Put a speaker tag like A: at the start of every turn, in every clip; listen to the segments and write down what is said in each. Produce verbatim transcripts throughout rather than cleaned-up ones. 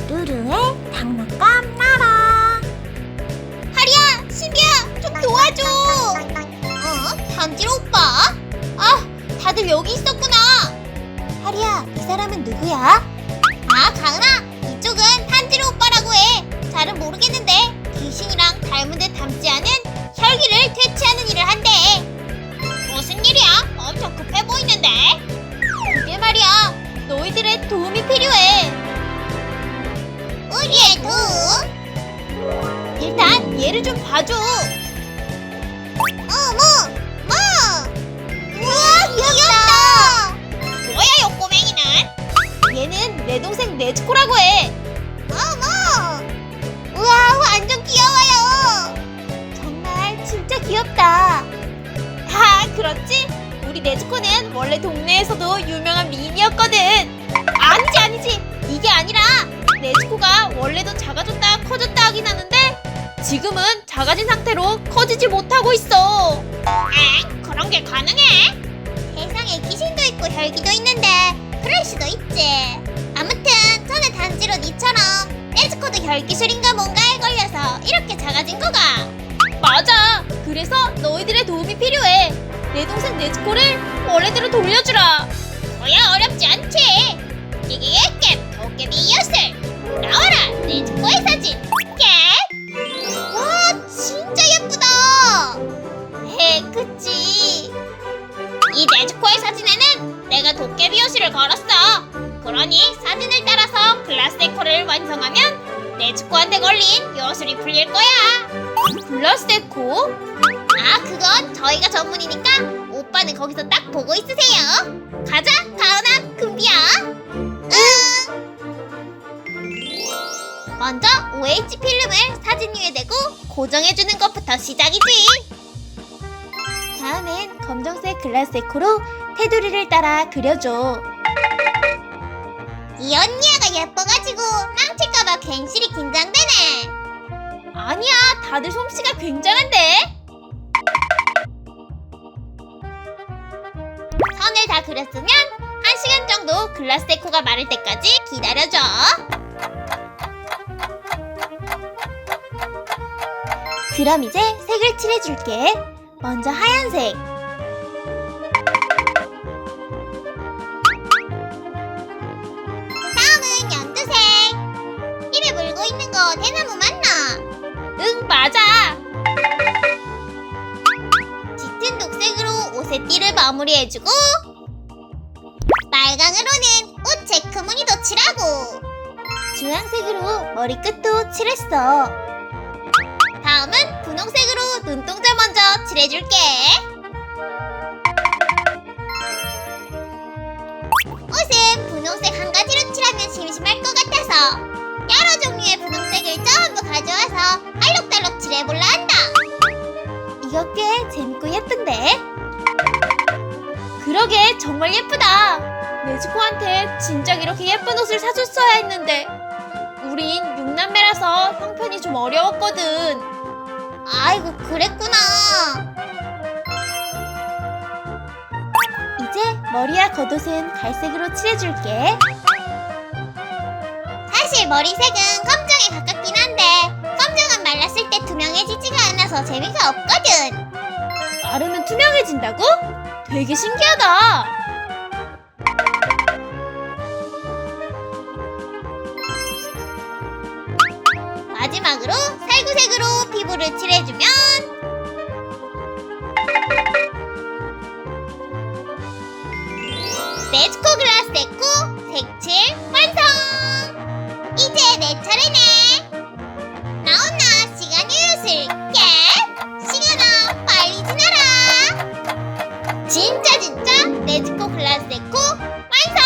A: 루루의 장난감 나라.
B: 하리야, 신비야, 좀 도와줘. 어? 단지로 오빠? 아, 다들 여기 있었구나.
A: 하리야, 이 사람은 누구야?
B: 아, 가은아, 이쪽은 탄지로 오빠라고 해. 잘은 모르겠는데 귀신이랑 닮은 듯 닮지 않은 혈기를 퇴치하는 일을 한대. 무슨 일이야? 엄청 급해 보이는데. 그게 말이야, 너희들의 도움이 필요해. 우리의 도움? 일단 얘를 좀 봐줘. 어머, 뭐? 우와, 귀엽다. 뭐야, 요 꼬맹이는? 얘는 내 동생 네즈코라고 해. 어머! 우와, 완전 귀여워요. 정말 진짜 귀엽다. 아, 그렇지? 우리 네즈코는 원래 동네에서도 유명한 미인이었거든. 아니지, 아니지. 이게 아니라 네즈코가 원래도 작아졌다 커졌다 하긴 하는데 지금은 작아진 상태로 커지지 못하고 있어. 엥? 그런 게 가능해? 세상에 귀신도 있고 혈기도 있는데 그럴 수도 있지. 아무튼 전에 단지로 니처럼 네즈코도 혈기술인가 뭔가에 걸려서 이렇게 작아진 거가. 맞아. 그래서 너희들의 도움이 필요해. 내 동생 네즈코를 원래대로 돌려주라. 그야 어렵지 않지. 끼끼깨 도깨비 요술 나와라. 네즈코의 사진. 깨. 와, 진짜 예쁘다. 해, 그치. 이 네즈코의 사진에는 내가 도깨비 요술을 걸었어. 그러니 사진을 따라서 글라스 데코를 완성하면 네즈코한테 걸린 요술이 풀릴 거야. 글라스 데코? 아, 그건 저희가 전문이니까 오빠는 거기서 딱 보고 있으세요. 가자, 가은아, 금비야. 응. 먼저 오에이치 필름을 사진 위에 대고 고정해주는 것부터 시작이지.
A: 다음엔 검정색 글라스 데코로 테두리를 따라 그려줘.
B: 이 언니야가 예뻐가지고 망칠까봐 괜시리 긴장되네. 아니야, 다들 솜씨가 굉장한데. 선을 다 그렸으면 한 시간 정도 글라스 데코가 마를 때까지 기다려줘.
A: 그럼 이제 색을 칠해줄게. 먼저 하얀색.
B: 다음은 연두색. 입에 물고 있는 거 대나무 맞나? 응, 맞아. 짙은 녹색으로 옷의 띠를 마무리해주고 빨강으로는 옷 체크무늬도 칠하고
A: 주황색으로 머리끝도 칠했어.
B: 다음은 분홍색으로 눈동자 먼저 칠해줄게. 옷은 분홍색 한 가지로 칠하면 심심할 것 같아서 여러 종류의 분홍색을 전부 가져와서 알록달록 칠해볼라 한다.
A: 이거 꽤 재밌고 예쁜데?
B: 그러게, 정말 예쁘다. 네즈코한테 진작 이렇게 예쁜 옷을 사줬어야 했는데 우린 육남매라서 형편이 좀 어려웠거든. 아이고, 그랬구나.
A: 이제 머리와 겉옷은 갈색으로 칠해줄게.
B: 사실 머리색은 검정에 가깝긴 한데 검정은 말랐을 때 투명해지지가 않아서 재미가 없거든.
A: 마르면 투명해진다고? 되게 신기하다.
B: 마지막으로 살구색으로 피부를 칠해주면 네즈코 글라스 데코 색칠 완성! 이제 내 차례네. 나온나 시간이 요술 깨! 시간아, 빨리 지나라. 진짜 진짜 네즈코 글라스 데코 완성!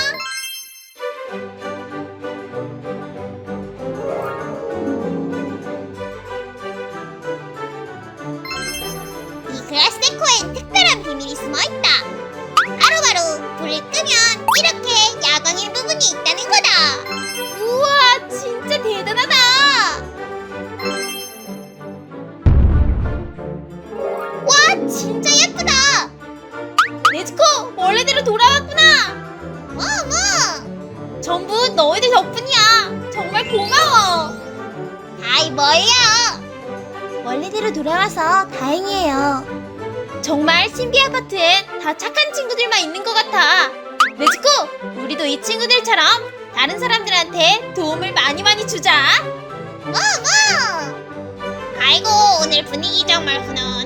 B: 이 글라스 데코엔 특별한 비밀이 숨어있다. 바로바로 불을 끄면 이렇게 야광일 부분이 있다는 거다. 뭐야?
A: 원래대로 돌아와서 다행이에요.
B: 정말 신비 아파트엔 다 착한 친구들만 있는 것 같아. 네즈코, 우리도 이 친구들처럼 다른 사람들한테 도움을 많이 많이 주자. 어머! 아이고, 오늘 분위기 정말 훈훈.